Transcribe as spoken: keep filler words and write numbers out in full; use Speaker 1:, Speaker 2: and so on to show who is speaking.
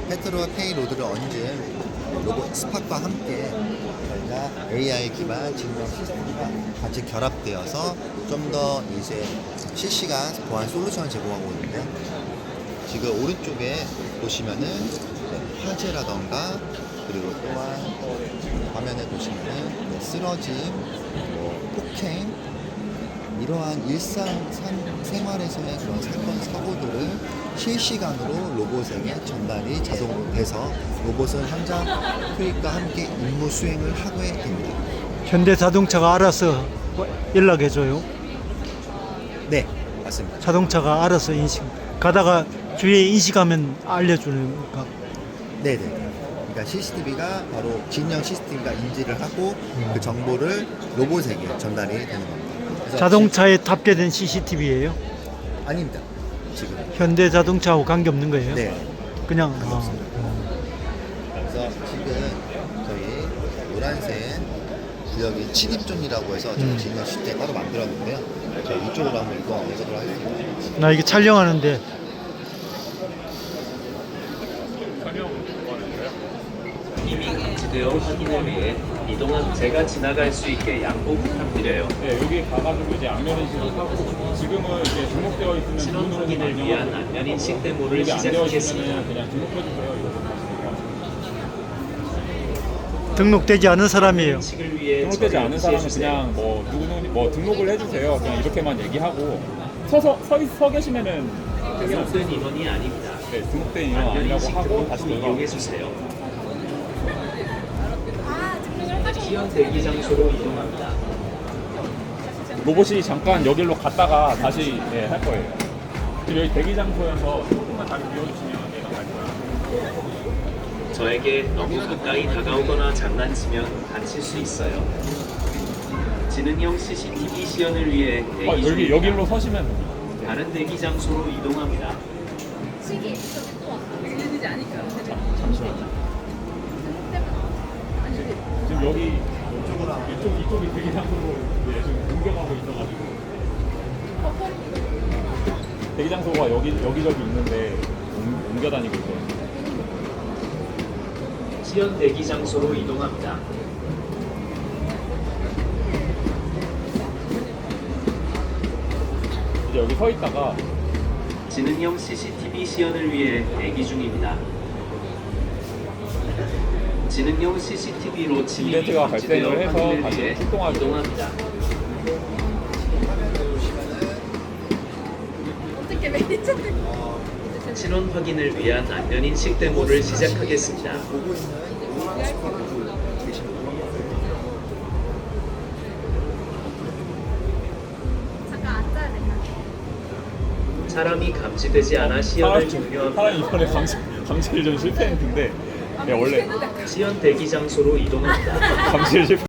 Speaker 1: 페트로와 페이로드를 얹은 로봇 스팍과 함께 저희가 에이아이 기반 직명 시스템과 같이 결합되어서 좀 더 이제 실시간 보안 솔루션을 제공하고 있는데, 지금 오른쪽에 보시면은 화재라던가, 그리고 또한 화면에 보시면은 네, 쓰러짐, 뭐 폭행, 이러한 일상 산, 생활에서의 그런 사건 사고들을 실시간으로 로봇에게 전달이 자동으로 돼서 로봇은 현장 투입과 함께 임무 수행을 하게 됩니다.
Speaker 2: 현대자동차가 알아서 연락해줘요.
Speaker 1: 네, 맞습니다.
Speaker 2: 자동차가 알아서 인식, 가다가 주위에 인식하면 알려주는 거니까.
Speaker 1: 네네. 그러니까 씨씨티비가 바로 진영 시스템과 인지를 하고 그 정보를 로봇에게 전달이 되는 겁니다. 그래서
Speaker 2: 자동차에 탑재된 씨씨티비예요?
Speaker 1: 지- 아닙니다. 지금.
Speaker 2: 현대자동차하고 관계없는 거예요?
Speaker 1: 네.
Speaker 2: 그냥 아,
Speaker 1: 관계없습니다. 그래서 지금 저희 노란색 구역이 침입존이라고 해서 저희
Speaker 2: 음.
Speaker 1: 진영 시스템 따로 만들었는데요. 저희 이쪽으로 한번 이동해보도록 하겠습니다.
Speaker 2: 나 이게 촬영하는데
Speaker 3: 이미 감지되어 확인을 위해 이동한 제가 지나갈 수 있게 양보 부탁드려요.
Speaker 4: 네, 여기 가가지고 이제 안면 인식을 하고, 지금은 이제 등록되어 있으면
Speaker 3: 신원
Speaker 4: 눈으로
Speaker 3: 확인을 위한
Speaker 4: 안녕하고,
Speaker 3: 안면 인식 데모를
Speaker 4: 여기 안 되어 있으면
Speaker 3: 시작하겠습니다.
Speaker 4: 그냥 등록해주세요. 이렇게
Speaker 2: 등록되지 않은 사람이에요.
Speaker 3: 인식을 위해
Speaker 4: 등록되지
Speaker 3: 저를
Speaker 4: 않은 사람은
Speaker 3: 지시해주세요.
Speaker 4: 그냥 뭐 누구는 뭐 등록을 해주세요. 그냥 이렇게만 얘기하고 서서 서, 있- 서 계시면은
Speaker 3: 등록된 인원이 아닙니다.
Speaker 4: 네, 등록된 인원
Speaker 3: 안면
Speaker 4: 아니라고
Speaker 3: 인식
Speaker 4: 하고
Speaker 3: 데모
Speaker 4: 다시
Speaker 3: 후
Speaker 4: 들어가고.
Speaker 3: 이용해 주세요. 시연 대기 장소로 이동합니다.
Speaker 4: 로봇이 잠깐 여기로 갔다가 다시 네, 할 거예요. 지금 여기 대기 장소에서 조금만 다리 비워주시면 얘가 갈 거예요.
Speaker 3: 저에게 너무 가까이 다가오거나 장난치면 다칠 수 있어요. 지능형 씨씨티비 시연을 위해
Speaker 4: 어,
Speaker 3: 대기
Speaker 4: 여기
Speaker 3: 중입니다.
Speaker 4: 여기로 서시면
Speaker 3: 다른 대기 장소로 이동합니다.
Speaker 5: 시기 들리지 않을까?
Speaker 4: 잠시만요. 지금 여기 이쪽 이쪽이 대기 장소로 네, 지금 공격하고 있어가지고 대기 장소가 여기 여기저기 있는데 옮- 옮겨 다니고 있어요.
Speaker 3: 시연 대기 장소로 이동합니다.
Speaker 4: 이제 여기 서 있다가
Speaker 3: 지능형 씨씨티비 시연을 위해 대기 중입니다. 지능형 씨씨티비로 침입이
Speaker 4: 이벤트가
Speaker 3: 감지되어
Speaker 4: 발생을 해서
Speaker 3: 확인을
Speaker 4: 다시
Speaker 3: 위해
Speaker 4: 출동하죠.
Speaker 3: 이동합니다.
Speaker 5: 어떻게 매니저들
Speaker 3: 신원 확인을 위한 안면 인식 데모를 시작하겠습니다.
Speaker 1: 보고 있는 노란 스팍 보고 계신 분.
Speaker 5: 잠깐 앉아야 되나?
Speaker 3: 사람이 감지되지 않아 시연을
Speaker 4: 사람
Speaker 3: 종료합니다.
Speaker 4: 이번에 감시 감시를 좀 실패했는데 네, 원래
Speaker 3: 시연 대기 장소로 이동합니다.
Speaker 4: 감시를 실패.